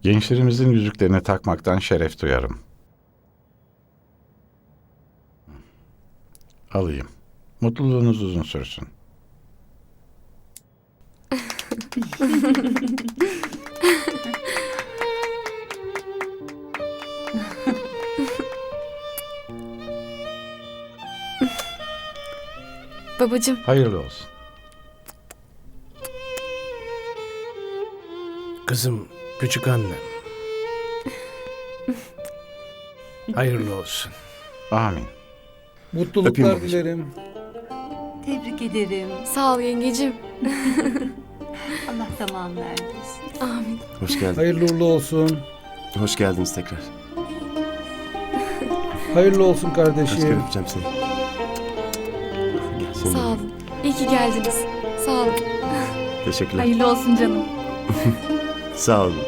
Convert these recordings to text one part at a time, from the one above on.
Gençlerimizin yüzüklerini takmaktan şeref duyarım. Alayım. Mutluluğunuz uzun sürsün. Babacığım, Hayırlı olsun. Kızım, küçük annem. Hayırlı olsun. Amin. Mutluluklar Öpeyim babacığım. dilerim. Tebrik ederim. sağ ol yengecim. Allah tamam verdirsin. Amin. Hoş geldin. Hayırlı uğurlu olsun. Hoş geldiniz tekrar. Hayırlı olsun Kaç kere kardeşim. öpeceğim seni. Gel seni. Sağ olun. İyi ki geldiniz. Sağ olun. Teşekkürler. Hayırlı olsun canım. Sağ olun.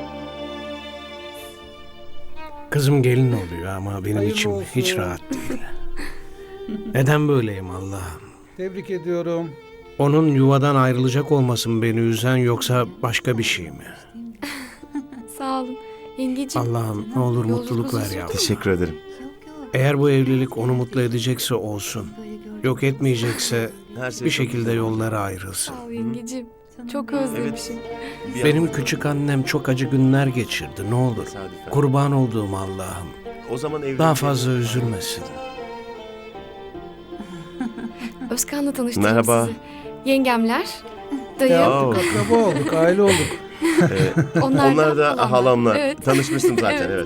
Kızım gelin oluyor ama benim Hayırlı içim olsun. hiç rahat değil. Neden böyleyim Allah'ım? Tebrik ediyorum. Onun yuvadan ayrılacak olmasın beni üzen yoksa başka bir şey mi? Sağ olun. Yengecim. Allah'ım ne olur Yolculuk mutluluk uzun ver sürdü yavrum. Teşekkür ederim. Eğer bu evlilik onu mutlu edecekse olsun. Yok etmeyecekse Her şey bir çok şekilde güzel. yollara ayrılsın. Sağ ol yengecim. Çok özlemişim. Bir Benim anda küçük annem çok acı günler geçirdi ne olur. tesadüfen. Kurban olduğum Allah'ım. O zaman evlilik... Daha fazla üzülmesin. Özkan'la tanıştırdım Merhaba. sizi. Yengemler, dayı, Ya Oo. artık akraba olduk, aile olduk. Onlar da halamlar. Evet. Tanışmıştım zaten evet.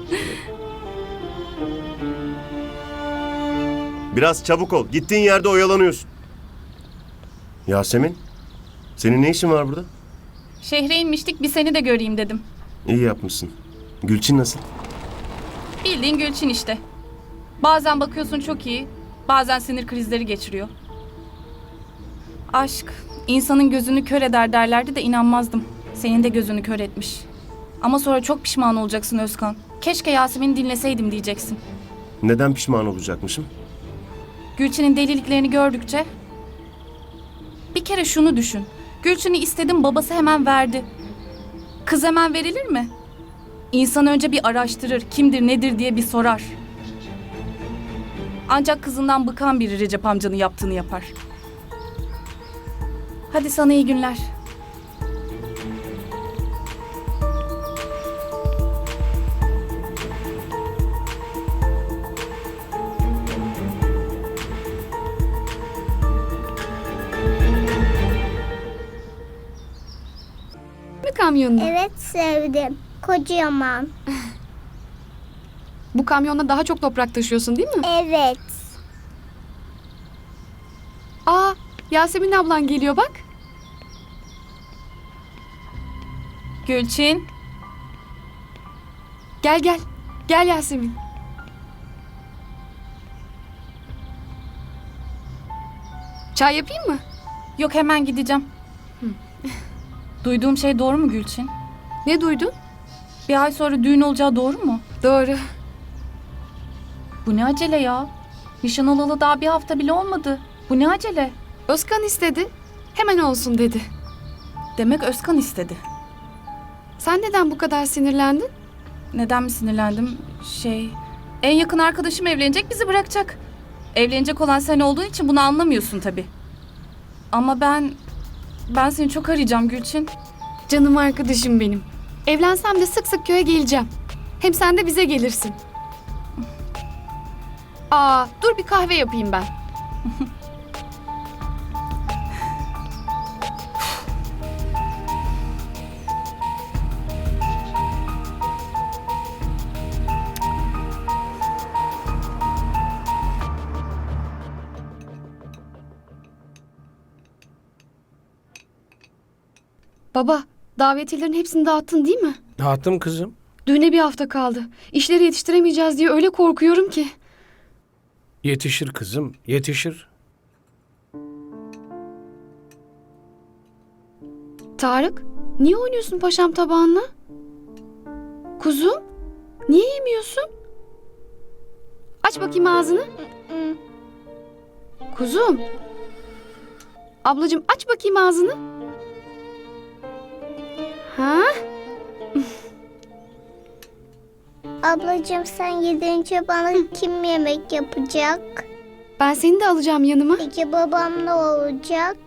Biraz çabuk ol. Gittiğin yerde oyalanıyorsun. Yasemin, senin ne işin var burada? Şehre inmiştik, bir seni de göreyim dedim. İyi yapmışsın. Gülçin nasıl? Bildiğin Gülçin işte. Bazen bakıyorsun çok iyi, bazen sinir krizleri geçiriyor. Aşk, insanın gözünü kör eder derlerdi de inanmazdım. Senin de gözünü kör etmiş. Ama sonra çok pişman olacaksın Özkan. Keşke Yasemin'i dinleseydim diyeceksin. Neden pişman olacakmışım? Gülçin'in deliliklerini gördükçe... Bir kere şunu düşün. Gülçin'i istedim, babası hemen verdi. Kız hemen verilir mi? İnsan önce bir araştırır, kimdir nedir diye bir sorar. Ancak kızından bıkan biri Recep amcanın yaptığını yapar. Hadi sana iyi günler. mi kamyonda? Evet sevdim. Kocaman. Bu kamyonda daha çok toprak taşıyorsun değil mi? Evet. Aa, Yasemin ablan geliyor bak. Gülçin, Gel gel. Gel Yasemin. Çay yapayım mı? yok hemen gideceğim. Duyduğum şey doğru mu Gülçin? Ne duydun? Bir ay sonra düğün olacağı doğru mu? Doğru. Bu ne acele ya? Nişan olalı daha bir hafta bile olmadı. Bu ne acele? Özkan istedi. Hemen olsun dedi. Demek Özkan istedi. Sen neden bu kadar sinirlendin? Neden mi sinirlendim? En yakın arkadaşım evlenecek, bizi bırakacak. Evlenecek olan sen olduğun için bunu anlamıyorsun tabii. Ama ben seni çok arayacağım Gülçin. Canım arkadaşım benim. Evlensem de sık sık köye geleceğim. Hem sen de bize gelirsin. Aa, dur bir kahve yapayım ben. Baba, davetiyelerin hepsini dağıttın değil mi? Dağıttım kızım. Düğüne bir hafta kaldı. İşleri yetiştiremeyeceğiz diye öyle korkuyorum ki. Yetişir kızım, yetişir. Tarık, niye oynuyorsun paşam tabağınla? Kuzum, niye yemiyorsun? Aç bakayım ağzını. Kuzum. Ablacığım aç bakayım ağzını. Ha? Ablacığım sen gidince bana kim yemek yapacak? Ben seni de alacağım yanıma. Peki babam ne olacak?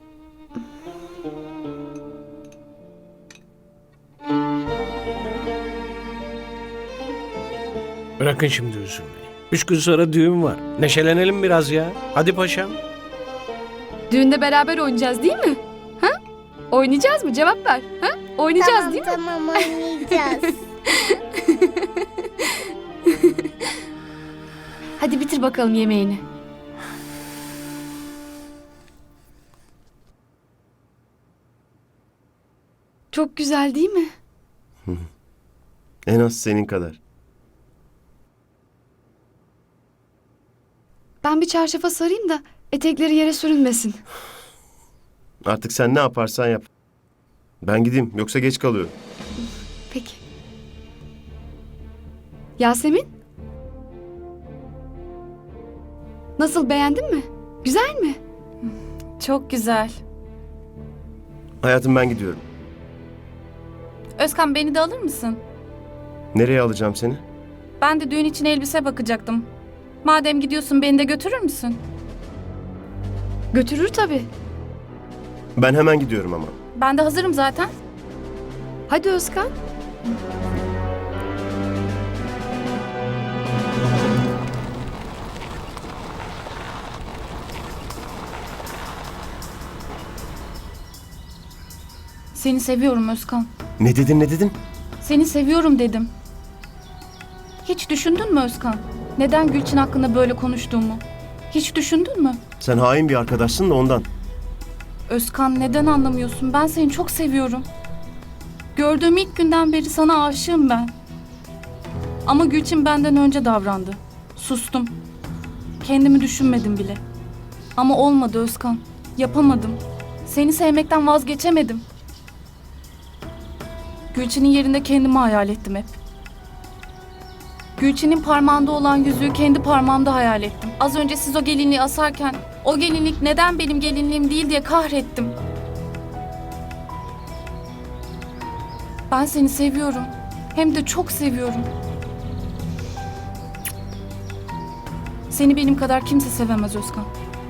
Bırakın şimdi üzülmeyi. 3 gün sonra düğün var. Neşelenelim biraz ya. Hadi paşam. Düğünde beraber oynayacağız değil mi? Ha? Oynayacağız mı? Cevap ver. Ha? Oynayacağız Tamam değil mi? tamam oynayacağız. Hadi bitir bakalım yemeğini. Çok güzel değil mi? En az senin kadar. Ben bir çarşafa sarayım da etekleri yere sürünmesin. Artık sen ne yaparsan yap. Ben gideyim yoksa geç kalıyorum. Peki. Yasemin? Nasıl, beğendin mi? Güzel mi? Çok güzel. Hayatım ben gidiyorum. Özkan beni de alır mısın? Nereye alacağım seni? Ben de düğün için elbise bakacaktım. Madem gidiyorsun beni de götürür müsün? Götürür tabii. Ben hemen gidiyorum ama. Ben de hazırım zaten. Hadi Özkan. Seni seviyorum Özkan. Ne dedin ne dedin? Seni seviyorum dedim. Hiç düşündün mü Özkan? Neden Gülçin hakkında böyle konuştuğumu? Hiç düşündün mü? Sen hain bir arkadaşsın da ondan. Özkan neden anlamıyorsun? Ben seni çok seviyorum. Gördüğüm ilk günden beri sana aşığım ben. Ama Gülçin benden önce davrandı. Sustum. Kendimi düşünmedim bile. Ama olmadı Özkan. Yapamadım. Seni sevmekten vazgeçemedim. Gülçin'in yerinde kendimi hayal ettim hep. Gülçin'in parmağında olan yüzüğü kendi parmağımda hayal ettim. Az önce siz o gelinliği asarken o gelinlik neden benim gelinliğim değil diye kahrettim. Ben seni seviyorum. Hem de çok seviyorum. Seni benim kadar kimse sevemez Özkan.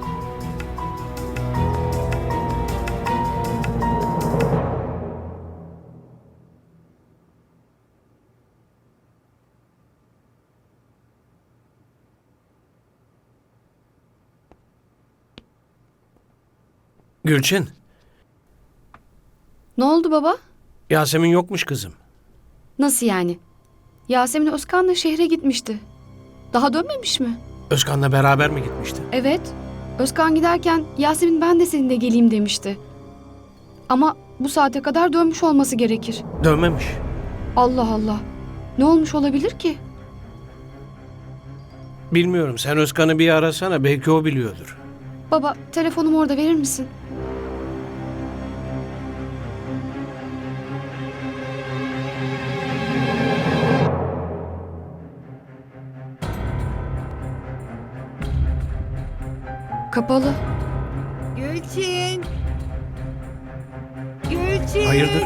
Gülçin, Ne oldu baba? Yasemin yokmuş kızım. Nasıl yani? Yasemin Özkan'la şehre gitmişti. Daha dönmemiş mi? Özkan'la beraber mi gitmişti? Evet. Özkan giderken Yasemin ben de seninle geleyim demişti. Ama bu saate kadar dönmüş olması gerekir. Dönmemiş. Allah Allah. Ne olmuş olabilir ki? Bilmiyorum, sen Özkan'ı bir arasana, belki o biliyordur. Baba, telefonumu orada verir misin? Kapalı. Gülçin. Gülçin. Hayırdır?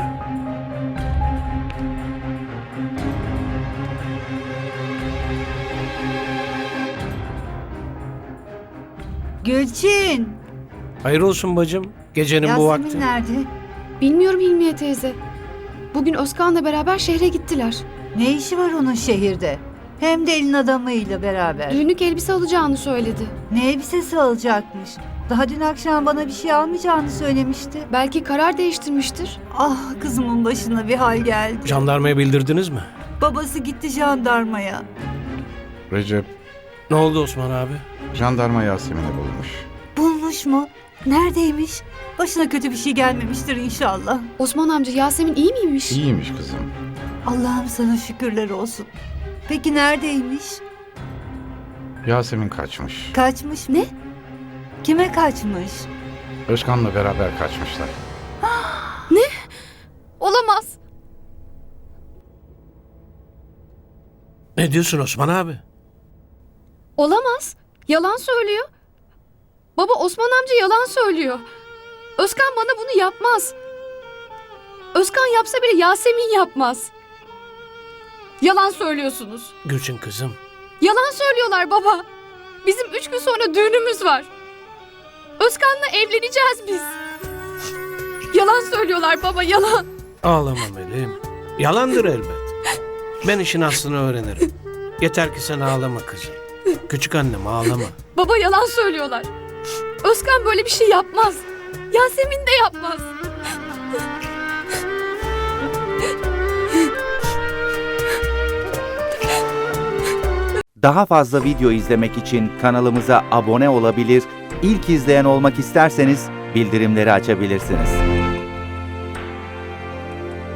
Gülçin. Hayır olsun bacım, gecenin bu vakti. Yasemin nerede? Bilmiyorum Hilmiye teyze. Bugün Özkan'la beraber şehre gittiler. Ne işi var onun şehirde? Hem de elin adamıyla beraber. Düğünlük elbise alacağını söyledi. Ne elbisesi alacakmış? Daha dün akşam bana bir şey almayacağını söylemişti. Belki karar değiştirmiştir. Ah, kızımın başına bir hal geldi. Jandarmaya bildirdiniz mi? Babası gitti jandarmaya. Recep, Ne oldu Osman abi? jandarma Yasemin'i bulmuş. Bulmuş mu? Neredeymiş? Başına kötü bir şey gelmemiştir inşallah. Osman amca, Yasemin iyi miymiş? İyiymiş kızım. Allah'ım sana şükürler olsun. Peki neredeymiş? Yasemin kaçmış. Kaçmış mı? Kime kaçmış? Özkan'la beraber kaçmışlar. Olamaz. Ne diyorsun Osman abi? Olamaz. Yalan söylüyor. Baba, Osman amca yalan söylüyor. Özkan bana bunu yapmaz. Özkan yapsa bile Yasemin yapmaz. Yalan söylüyorsunuz. Gülçin kızım. Yalan söylüyorlar baba. Bizim 3 gün sonra düğünümüz var. Özkan'la evleneceğiz biz. Yalan söylüyorlar baba, yalan. Ağlama Melih'im. Yalandır elbet. Ben işin aslını öğrenirim. Yeter ki sen ağlama kızım. Küçük annem ağlama. Baba yalan söylüyorlar. Özkan böyle bir şey yapmaz. Yasemin de yapmaz. Daha fazla video izlemek için kanalımıza abone olabilir, ilk izleyen olmak isterseniz bildirimleri açabilirsiniz.